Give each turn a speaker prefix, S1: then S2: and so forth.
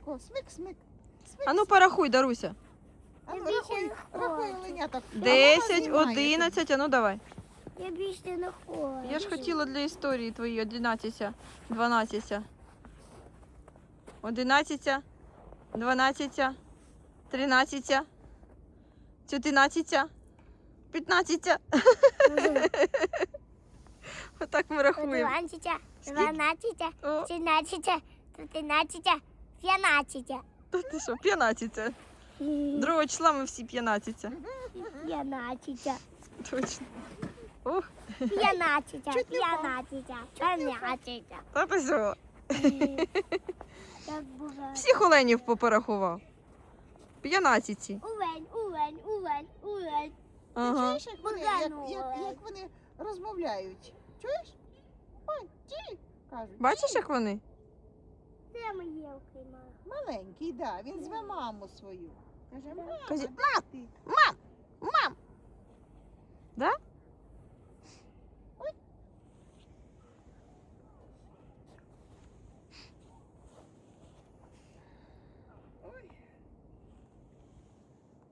S1: тако, смик-смик.
S2: А ну порахуй, Даруся.
S1: А ну,
S3: Я більше
S1: рахуй,
S3: не
S1: рахуй
S3: хочу.
S1: оленяток.
S2: 10,
S1: А вона знімає
S2: 11, а ну давай.
S3: Я більше не хочу.
S2: Я ж хотіла для історії твої 11, 12. 11, 12, 13, 14, 15. Отак ми рахуємо.
S3: 12,
S2: О,
S3: 13, 13, 15.
S2: та ти що, 15. Другого числа ми всі 15.
S3: 15.
S2: Точно. Ух,
S3: 15.
S1: Чуть не впав.
S3: 15.
S2: та ти що?
S3: Так буває.
S2: Всіх оленів порахував. 15.
S3: Увень.
S2: Ага.
S1: Чуєш, як вони,
S3: Богдану,
S1: як вони розмовляють? Чуєш? Ой, ті, кажуть.
S2: Бачиш, як вони?
S3: Де ми є окремо?
S1: Маленький, да. Він зве маму свою. Каже, мама,
S2: Каже,
S1: де ти?